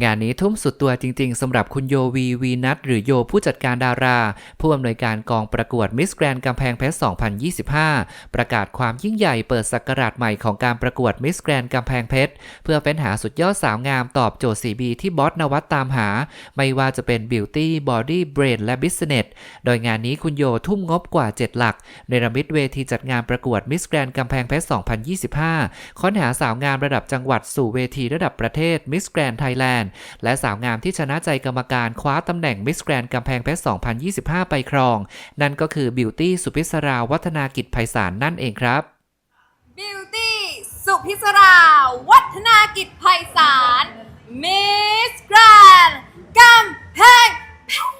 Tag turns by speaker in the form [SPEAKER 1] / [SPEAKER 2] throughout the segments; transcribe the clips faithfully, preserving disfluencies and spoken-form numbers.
[SPEAKER 1] งานนี้ทุ่มสุดตัวจริงๆสำหรับคุณโยวีวีนัทหรือโยผู้จัดการดาราผู้อำนวยการกองประกวดมิสแกรนด์กำแพงเพชร สองพันยี่สิบห้า ประกาศความยิ่งใหญ่เปิดศักราชใหม่ของการประกวดมิสแกรนด์กำแพงเพชรเพื่อเฟ้นหาสุดยอดสาวงามตอบโจทย์ ซี บี ที่บอสนวัตตามหาไม่ว่าจะเป็นบิวตี้บอดี้เบรนและบิสเนสโดยงานนี้คุณโยทุ่มงบกว่าเจ็ดหลักเนรมิตเวทีจัดงานประกวดมิสแกรนด์กำแพงเพชร สองพันยี่สิบห้า ค้นหาสาวงามระดับจังหวัดสู่เวทีระดับประเทศมิสแกรนด์ไทยแลนด์และสาวงามที่ชนะใจกรรมการคว้าตำแหน่งมิสแกรนด์กำแพงเพชร สองพันยี่สิบห้า ไปครองนั่นก็คือบิวตี้สุพิศราวัฒนากิจไพศาลนั่นเองครับ
[SPEAKER 2] บิวตี้สุพิศราวัฒนากิจไพศาลมิสแกรนด์กำแพงเพชร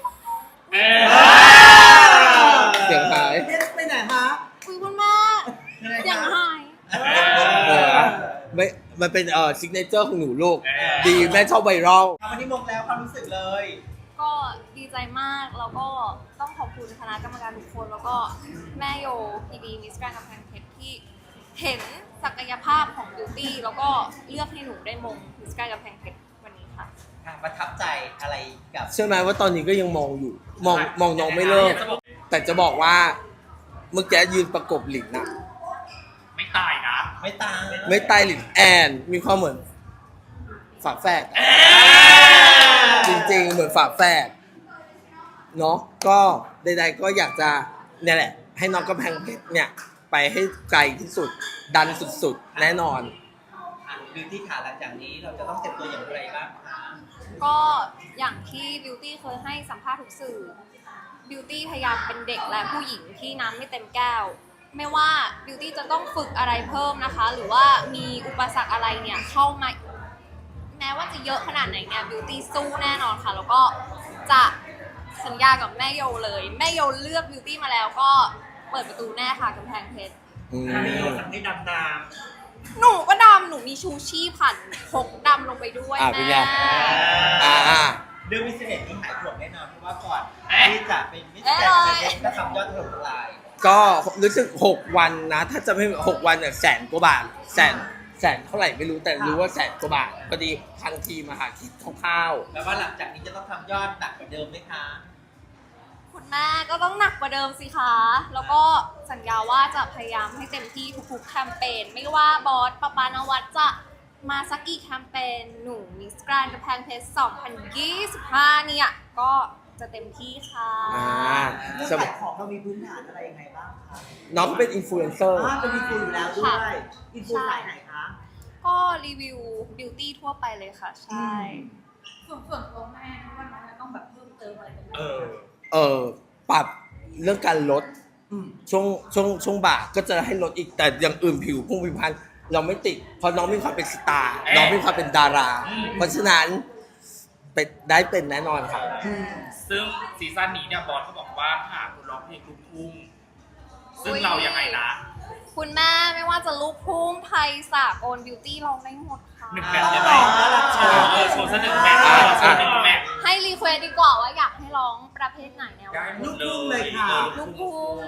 [SPEAKER 3] เสียงหาย
[SPEAKER 4] ไปไหนฮะ
[SPEAKER 2] คุยคุณมากเสียงหาย
[SPEAKER 3] ไม่มันเป็นเอ่อซิกเนเจอร์ของหนูลูกดีแม่ชอบไวรัล
[SPEAKER 4] วันนี้มงแล้วความรู้สึกเลย
[SPEAKER 2] ก็ดีใจมากแล้วก็ต้องขอบคุณคณะกรรมการทุกคนแล้วก็แม่โยพีดีมิสแกรนด์กำแพงเพชรที่เห็นศักยภาพของบิวตี้แล้วก็เลือกให้หนูได้มงมิสแกรนด์กำแพงเพชรวันนี้ค่ะ
[SPEAKER 4] ประทับใจอะไรกับ
[SPEAKER 3] เชื่อไหมว่าตอนนี้ก็ยังมองอยู่มองมองน้องไม่เลิกแต่จะบอกว่าเมื่อกี้ยืนประกบหลินนะ
[SPEAKER 5] ไม่ตายนะ
[SPEAKER 4] ไม่ตาย
[SPEAKER 3] ไม่ตายหลินแอนมีความเหมือนฝาแฝดจริงๆเหมือนฝาแฝดเนาะก็ใดๆก็อยากจะเนี่ยแหละให้น้องกำแพงเพชรเนี่ยไปให้ไกลที่สุดดันสุดๆแน่นอน
[SPEAKER 4] บิวตี้ขาหลังจากนี้เราจะต้องเตรียมตัวอย่างไรบ้างคะ
[SPEAKER 2] ก็อย่างที่บิวตี้เคยให้สัมภาษณ์ทุกสื่อบิวตี้พยายามเป็นเด็กและผู้หญิงที่น้ำไม่เต็มแก้วไม่ว่าบิวตี้จะต้องฝึกอะไรเพิ่มนะคะหรือว่ามีอุปสรรคอะไรเนี่ยเข้ามาแม้ว่าจะเยอะขนาดไหนเนี่ยบิวตี้สู้แน่นอนค่ะแล้วก็จะสัญญากับแม่โยเลยแม่โยเลือกบิวตี้มาแล้วก็เปิดประตูแน่ค่ะกำแพงเพชร
[SPEAKER 4] แม่โยสั่งให้ดำน้
[SPEAKER 2] ำหนูก็ดำหนูมีชูชีพผ่านพกดำลงไปด้วยแม่
[SPEAKER 4] เรื่องวิสเนสนี่หายห่วงแน่นอนเพราะว่าก่อนที่จะเป็นมิสแกรนด์ก็ทำยอดถล่มทลาย
[SPEAKER 3] ก็รู้สึกหกวันนะถ้าจะไม่หกวันเนี่ยแสนกว่าบาทแสนแสนเท่าไหร่ไม่รู้แต่รู้ว่าแสนกว่าบาทพอดีทางทีมมาหาคิดคร่าว
[SPEAKER 4] ๆแล้วว่าหลังจากนี้จะต้องทำยอดหนักกว่าเดิมไหมคะ
[SPEAKER 2] คุณแม่ก็ต้องหนักกว่าเดิมสิคะแล้วก็สัญญาว่าจะพยายามให้เต็มที่ทุกๆแคมเปญไม่ว่าบอสปปานวัดจะมาสักกี่แคมเปญหนูมิสแกรนด์กำแพงเพชร สองพันยี่สิบห้า เนี่ยก็จะเต็มที่ค่ะ
[SPEAKER 4] เรื่องขายของเรามีพื้นฐานอะไรยังไงบ้างคะ
[SPEAKER 3] น้องเป็นอินฟลูเอนเซอร์
[SPEAKER 4] เป็นอินฟลูอยู่แล้วด้วยอินฟลูสายไหนคะ
[SPEAKER 2] ก็รีวิวบิวตี้ทั่วไปเลยค่ะใช่
[SPEAKER 6] ส่วนส่วนตัวแม่ว่าน้องจะต้องแบบเพิ่มเติมอะไรกัน
[SPEAKER 3] เออเออปรับเรื่องการลดช่วงช่วงช่วงบ่าก็จะให้ลดอีกแต่อย่างอื่นผิวพุ่งผิวพรรณเราไม่ติดเพราะน้องมีความเป็นสตาร์น้องมีความเป็นดาราเพราะฉะนั้นเป็นได้เป็นแน่นอนครับ
[SPEAKER 5] ซึ่งซีซั่นนี้เนี่ยบอสเขาบอกว่าหาคุณร้องเพลงลูกทุ่งซึ่งเรายังไงนะ
[SPEAKER 2] คุณแม่ไม่ว่าจะลูกทุ่งไทยสากลบิวตี้ร้องได้หมดค่ะ
[SPEAKER 5] หนึ่งแบบได้ไหมโชว์เออโชว์สักหนึ่งแบบโชว์หนึ่งแบบ
[SPEAKER 2] ให้รีเควสดีกว่าว่าอยากให้ร้องประเภทไหนแนว
[SPEAKER 4] ลูกทุ่งเลยค่ะ
[SPEAKER 2] ลูกทุ่ง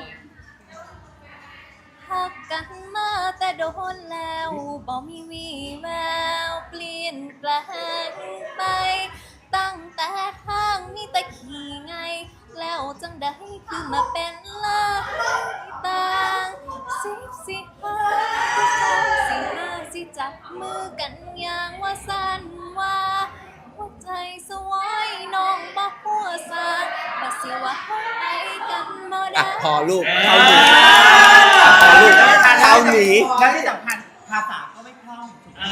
[SPEAKER 2] หักกันมาแต่โดนแล้วบ่มีวี่แววเปลี่ยนแปลงไปตั้งแต่ทางมีแต่ขี่ไงแล้วจังได้คือมาเป็นลายต่างสิบสิห้าสิห้าสิจับมือกันอย่างว่าสันว่าหัวใจสวยน้องบ่หัวซาบ่สิว่าเฮาไปกันบ่ได้
[SPEAKER 3] พอลูกเท่านี้พอลูกเท่านี้
[SPEAKER 4] แล้วที่สำคัญภาษาก็ไม่คล่อง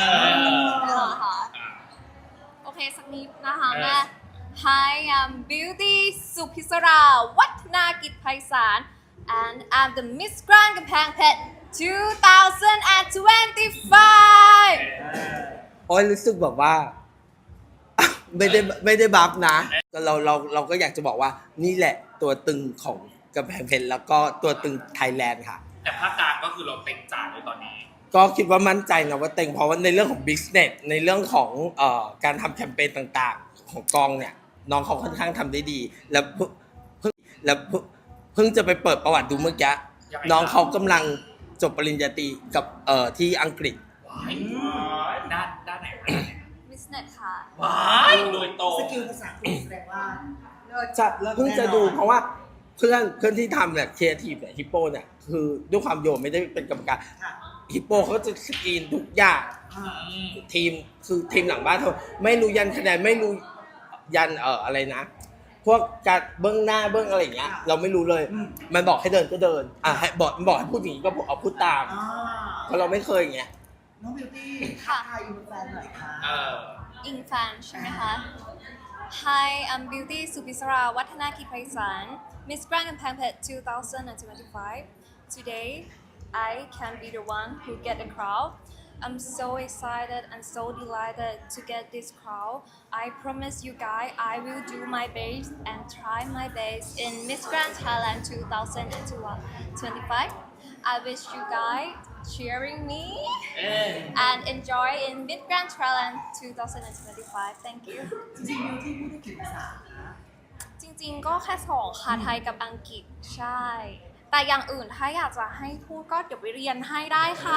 [SPEAKER 2] โอเคสักนิดนะคะแม่ Hi I'm Beauty สุพิศราวัฒนากิจไพศาล and I'm the Miss Grand กำแพงเพชร two thousand twenty-five
[SPEAKER 3] โอ้ยรู้สึกแบบว่าไม่ได้ไม่ได้บัฟนะเราเราเราก็อยากจะบอกว่านี่แหละตัวตึงของกำแพงเพชรแล้วก็ตัวตึงไทยแลนด์ค่ะ
[SPEAKER 5] แต่ภาคกลางก็คือเราเต็งจ่าเลยตอนนี้
[SPEAKER 3] ก็คิดว่ามั่นใจนะว่าเต็งเพราะว่าในเรื่องของ business ในเรื่องของเอ่อการทำแคมเปญต่างๆของกองเนี่ยน้องเขาค่อนข้างทำได้ดีแล้วเพิ่งแล้วเพิ่งจะไปเปิดประวัติดูเมื่อกี้น้องเขากำลังจบปริญญาตรีกับเอ่อที่อังกฤษ
[SPEAKER 5] ด้านด้านไหน
[SPEAKER 2] Business business ค่ะ
[SPEAKER 5] ว้ายโดยตรง
[SPEAKER 4] สกิลภาษาอังกฤษแสดงว่าเลิศ
[SPEAKER 3] จะ
[SPEAKER 4] เลิศ
[SPEAKER 3] เพิ่งจะ
[SPEAKER 4] แน่นอน
[SPEAKER 3] ดูเพราะว่าเพื่อนเพื่อนที่ทำเนี่ยครีเอทีฟเนี่ยฮิปโปเนี่ยคือด้วยความโยมไม่ได้เป็นกรรมการ
[SPEAKER 4] ค่ะ
[SPEAKER 3] ฮิปโปเขาจะสกรีนทุกอย่าง
[SPEAKER 4] อ่า
[SPEAKER 3] ทีมคือทีมหลังบ้านเขาไม่รู้ยันคะแนนไม่รู้ยันเอ่ออะไรนะ พวกการเบื้องหน้าเบื้องอะไรอย่างเงี้ยเราไม่รู้เลย
[SPEAKER 4] อืม
[SPEAKER 3] มันบอกให้เดินก็เดินอ่ะให้บอกบอกให้พูดอย่างนี้ก็เอาพูดตาม
[SPEAKER 4] อ่า
[SPEAKER 3] เพราะเราไม่เคยอย่างเงี้ย
[SPEAKER 4] น้องบิวตี้
[SPEAKER 2] ค่ะ
[SPEAKER 4] ทายอินแฟนหน่อยค่ะ
[SPEAKER 5] เออ
[SPEAKER 2] อิงฟันใช่ไหมคะ Hi I'm Beauty Supisara Wattana Kipraisan Miss Grand Gambang Phet twenty twenty-five Today I can be the one who get the crowd I'm so excited and so delighted to get this crowd I promise you guys I will do my best and try my best in Miss Grand Thailand twenty twenty-five I wish you guys cheering me
[SPEAKER 5] เออ
[SPEAKER 2] and enjoy in Mid Grand Thailand twenty twenty-five. Thank you.
[SPEAKER 4] จริงๆบิวตี้พูดได้กี่ภาษาคะ
[SPEAKER 2] จริงๆ ก็แค่สองค่ะไทยกับอังกฤษใช่ แต่อย่างอื่นถ้าอยากจะให้พูดก็เดี๋ยวไปเรียนให้ได้ค่ะ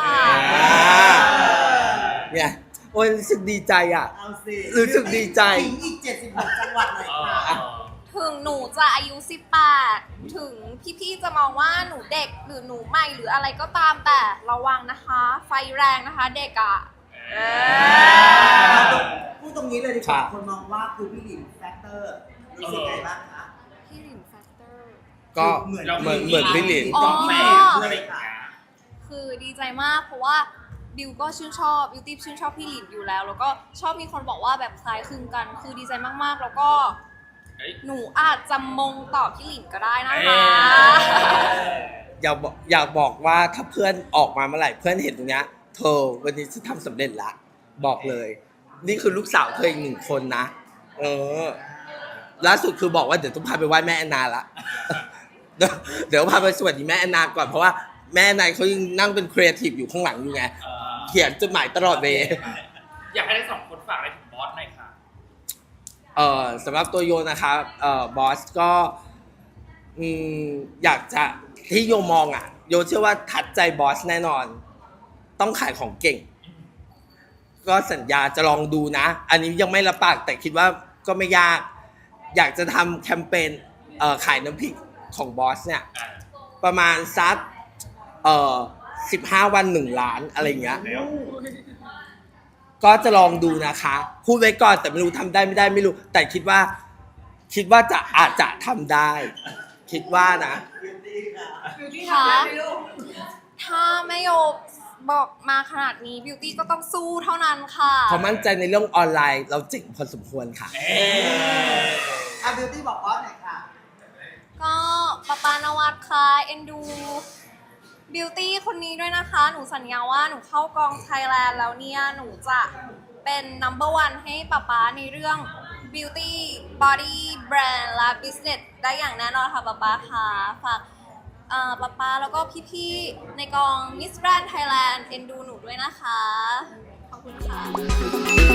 [SPEAKER 3] เนี่ยโอ้ยรู้สึกดีใจอ่ะ
[SPEAKER 4] เอาสิ
[SPEAKER 3] รู้สึกดีใจ
[SPEAKER 4] ถึงอีกเจ็ดสิบหกจังหวัดหน่อย
[SPEAKER 5] เอ
[SPEAKER 4] ค่ะ
[SPEAKER 5] อ
[SPEAKER 2] ถึงหนูจะอายุสิบแปดถึงพี่ๆ จะมองว่าหนูเด็กหรือหนูใหม่หรืออะไรก็ตามแต่ระวังนะคะ ไฟแรงนะคะเด็กอ่ะเออ
[SPEAKER 4] พูดตรงนี้เลยดีกว่า
[SPEAKER 3] ครับ
[SPEAKER 4] คนมองว่าคือพี่หลินแฟกเตอร์รู้สึกไงบ้างคะ
[SPEAKER 2] พี่หลินแฟกเตอร์
[SPEAKER 3] ก็
[SPEAKER 4] เหมือน
[SPEAKER 3] เหมือนเหมือนพี่หลิน
[SPEAKER 2] อ๋อ
[SPEAKER 5] แม่อะไรอย่างเงี้ย
[SPEAKER 2] คือดีใจมากเพราะว่าบิวก็ชื่นชอบบิวตี้ชื่นชอบพี่หลินอยู่แล้ว แล้วก็ชอบมีคนบอกว่าแบบคล้ายคลึงกัน คือดีใจมากๆ แล้วก็
[SPEAKER 5] เฮ้ย
[SPEAKER 2] หนูอาจจะมงต่อพี่หลินก็ได้นะ
[SPEAKER 5] เอ้
[SPEAKER 2] คะ
[SPEAKER 5] ย
[SPEAKER 3] อยากบอกอยากบอกว่าถ้าเพื่อนออกมาเมื่อไหร่เพื่อนเห็นตรงเนี้ยเธอวันนี้ฉันทำสำเร็จละบอกเลย นี่คือลูกสาวเธออีกหนึ่งคนนะ เออล่าสุดคือบอกว่าเดี๋ยวต้องพาไปไหว้แม่แอนนาละ เดี๋ยวเดี๋ยวพาไปสวัสดีแม่แอนนาก่อนเพราะว่าแม่แอนนาเขายังนั่งเป็นครีเอทีฟอยู่ข้างหลังอยู่ไง
[SPEAKER 5] เออ
[SPEAKER 3] เขียนจดหมายตลอดเวลา
[SPEAKER 5] อยากให้ทั้งสองคนฝากอะไรถึงบอสหน่อยค่ะ
[SPEAKER 3] เอ่อสำหรับตัวโยนะครับเอ่อบอสก็อืมอยากจะที่โยมองอ่ะ โยเชื่อว่าทัดใจบอสแน่นอน ต้องขายของเก่ง ก็สัญญาจะลองดูนะ อันนี้ยังไม่รับปากแต่คิดว่าก็ไม่ยาก อยากจะทำแคมเปญเอ่อขายน้ำพริกของบอสเนี่ย
[SPEAKER 5] อ่า
[SPEAKER 3] ประมาณสักเอ่อสิบห้าวันหนึ่งล้านอะไรอย่างเงี้ย
[SPEAKER 5] แล้ว
[SPEAKER 3] ก็จะลองดูนะคะ พูดไว้ก่อนแต่ไม่รู้ทำได้ไม่ได้ไม่รู้ แต่คิดว่า คิดว่าจะอาจจะทำได้ คิดว่านะ
[SPEAKER 2] ค่ะ ถ้าไม่โยบอกมาขนาดนี้บิวตี้ก็ต้องสู้เท่านั้นค่ะ
[SPEAKER 3] เขามั่นใจในเรื่องออนไลน์เราเจ๋งพอสมควรค่ะ
[SPEAKER 5] เอ้ย
[SPEAKER 4] อ่ะบิวตี้บอกว่าหน่อยค่ะ
[SPEAKER 2] ก็ปาปานวัดค่ะเอ็นดูบิวตี้คนนี้ด้วยนะคะ หนูสัญญาว่าหนูเข้ากองไทยแลนด์แล้วเนี่ย หนูจะเป็น number one ให้ป๊าป๊าในเรื่อง beauty body brand และ business ได้อย่างแน่นอนค่ะป๊าป๊าค่ะฝากเอ่อป๊าป๊าแล้วก็พี่ๆในกอง Miss Grand Thailand เอ็นดูหนูด้วยนะคะ ขอบคุณค่ะ